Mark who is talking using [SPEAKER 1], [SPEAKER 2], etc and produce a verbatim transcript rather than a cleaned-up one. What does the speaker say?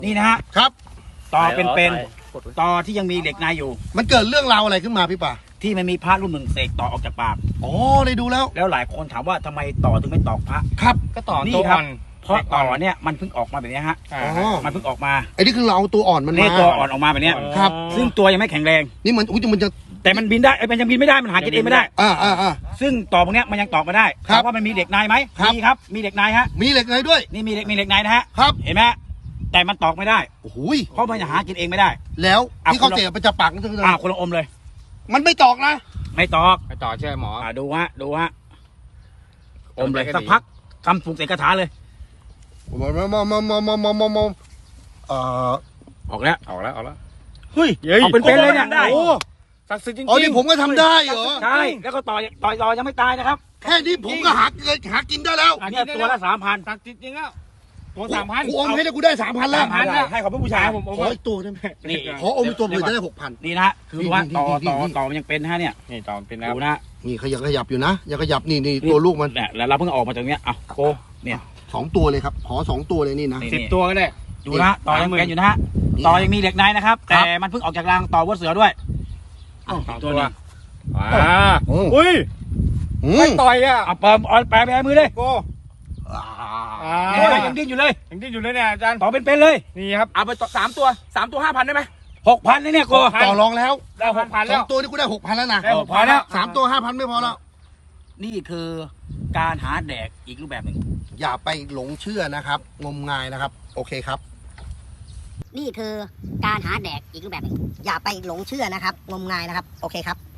[SPEAKER 1] นี่นะฮะ
[SPEAKER 2] ครับ
[SPEAKER 1] ต่อเป็นๆต่อที่ยังมีเหล็กในอยู่
[SPEAKER 2] มันเกิดเรื่องราวอะไรขึ้นมาพี่ป่า
[SPEAKER 1] ที่มันมีพระรุ่นหนึ่งเสกต่อออกจากปาก
[SPEAKER 2] อ๋อได้ดูแล้ว
[SPEAKER 1] แล้วหลายคนถามว่าทำไมต่อถึงไม่ตอกพระ
[SPEAKER 2] ครับ
[SPEAKER 3] ก็ต่อ
[SPEAKER 1] นี่
[SPEAKER 3] ตัว
[SPEAKER 1] ครั
[SPEAKER 3] อ่
[SPEAKER 1] บ
[SPEAKER 3] อน
[SPEAKER 1] เพราะต่อเนี่ยมันเพิ่งออกมาแบบนี้ฮะ
[SPEAKER 3] อ่า
[SPEAKER 2] อ๋อ
[SPEAKER 1] มันเพิ่งออกมา
[SPEAKER 2] ไอ้นี่คือเราเอาตัวอ่อนมัน
[SPEAKER 1] เนี่
[SPEAKER 2] มาย
[SPEAKER 1] ตัวอ่อนออกมาแบบเนี้ย
[SPEAKER 2] ครับ
[SPEAKER 1] ซึ่งตัวยังไม่แข็งแรง
[SPEAKER 2] นี่มันอุ้ยมันจะ
[SPEAKER 1] แต่มันบินได้ไอ้ยมันยังบินไม่ได้มันหากินเองไม่ได้
[SPEAKER 2] อ่าอ่าอ่า
[SPEAKER 1] ซึ่งต่อพวกเนี้ยมันยังตอกมาได้
[SPEAKER 2] ครับ
[SPEAKER 1] ถามว่ามันมีเหล็กในไหม
[SPEAKER 2] ครับ
[SPEAKER 1] มีครับมีเหล็กในฮะ
[SPEAKER 2] มีเหล็กในด้วย
[SPEAKER 1] นี่มีเหล็กมีเหล็กในนะฮะ
[SPEAKER 2] ครับ
[SPEAKER 1] เห็นไหมฮะแต่มันตอกไม่ได้
[SPEAKER 2] โอ้โหย
[SPEAKER 1] เพราะมันหากินเองไม่ได้
[SPEAKER 2] แล้ว
[SPEAKER 1] อ่ะ
[SPEAKER 2] ที่เขา
[SPEAKER 1] คุณลอง
[SPEAKER 2] เสียไปจะปากนั่นคือ
[SPEAKER 1] อ้าวคนละอมเลย
[SPEAKER 2] มันไม่ตอกนะ
[SPEAKER 1] ไม่ตอก
[SPEAKER 3] ไปต่อเชื่อหมอ
[SPEAKER 1] อ่าดูฮะดูฮะอมเลย
[SPEAKER 3] จำได้ก็
[SPEAKER 1] สัก
[SPEAKER 3] ดี
[SPEAKER 1] พักคำปลุกเสกคาถาเลย
[SPEAKER 2] มามามามามามามามามเอ่อ
[SPEAKER 1] ออกแล้ว
[SPEAKER 3] ออกแล้วออกแล้ว
[SPEAKER 2] เฮ้ย
[SPEAKER 1] เอาเป็นเป็นเลยเนี่ย
[SPEAKER 3] ได้
[SPEAKER 2] โอ้
[SPEAKER 3] ศักดิ์สิทธิ์จริงๆ
[SPEAKER 2] อ๋อนี่ผมก็ทำได้เหรอ
[SPEAKER 1] ใช่แล้วก็ต่อยต่อยต่อยังไม่ตายนะครับ
[SPEAKER 2] แค่นี้ผมก็หาเงินหากินได้แล้ว
[SPEAKER 1] อันนี้ตัวละสามพัน
[SPEAKER 3] ศักดิ์สิทธิ์จริงแล้วตัวสามพัน
[SPEAKER 2] กูอมให้ได้กูได้สามพันแล้ว
[SPEAKER 1] สามพันแล้วให้ขอบพระผู้ชาย
[SPEAKER 3] ผม
[SPEAKER 2] ขออีกตัวได้ไหม
[SPEAKER 1] นี่
[SPEAKER 2] ขออมอีกตัวเผื่อจะได้หกพัน
[SPEAKER 1] นี่นะฮะคือว่าต่อ
[SPEAKER 2] นี่
[SPEAKER 1] ต่อ
[SPEAKER 2] นี่
[SPEAKER 1] ต่อมันยังเป็นฮะเนี่ย
[SPEAKER 3] นี่ต่อเป็นแล้ว
[SPEAKER 1] ดูนะ
[SPEAKER 2] นี่ขยับขยับอยู่นะอย่าขยับนี่นี่ตัวลูกมัน
[SPEAKER 1] เนี่ยแล้วเราเพิ่งออกมาจากเนี้ยเอาโกเนี่ย
[SPEAKER 2] สองตัวเลยครับขอสองตัวเลยนี่นะ
[SPEAKER 1] นี่
[SPEAKER 3] สิบตัวก็ได้
[SPEAKER 1] ดูนะต่อยังเป็นอยู่นะฮะต่อยังมีเหล็กในนะครับ แต่มันเพิ่งออกจากรังต่อวัวเสือด้วยอ้าว
[SPEAKER 3] สอง
[SPEAKER 1] ตัว
[SPEAKER 3] ตัว
[SPEAKER 1] นี้
[SPEAKER 3] อ่า
[SPEAKER 2] โอ้
[SPEAKER 3] อุ้ย
[SPEAKER 2] อื
[SPEAKER 3] ไม่
[SPEAKER 2] ม
[SPEAKER 3] ต่อยอ่ะ
[SPEAKER 1] เอาเปิมเอาแปะไปในมือเลย
[SPEAKER 3] โก
[SPEAKER 2] อ่า
[SPEAKER 3] อ่า
[SPEAKER 1] เนี่ยยังดิ้นอยู่เลย
[SPEAKER 3] ยังดิ้นอยู่เลยเนี่ยอาจารย์
[SPEAKER 1] ต่อเป็นๆเลย
[SPEAKER 3] นี่ครับ
[SPEAKER 1] เอาไปต่อสามตัวสามตัวห้าพันได้ไหมหกพันเลยเนี่ยโก
[SPEAKER 3] หกพัน
[SPEAKER 2] ต่อรองแล้ว
[SPEAKER 3] ได้หกพัน
[SPEAKER 2] ส
[SPEAKER 3] แล้
[SPEAKER 2] อ
[SPEAKER 3] ว
[SPEAKER 2] งตัวนี่กูได้หกพันแล้วนะ
[SPEAKER 3] ได้หกพันแล้ว
[SPEAKER 2] สามตัวห้าพันไม่พอแล้ว
[SPEAKER 1] นี่คือการหาแดกอีกรูปแบบหนึ่ง
[SPEAKER 2] อย่าไปหลงเชื่อนะครับ งมงายนะครับ โอเคครับ
[SPEAKER 4] นี่คือการหาแดกอีกรูปแบบหนึ่งอย่าไปหลงเชื่อนะครับ งมงายนะครับ โอเคครับ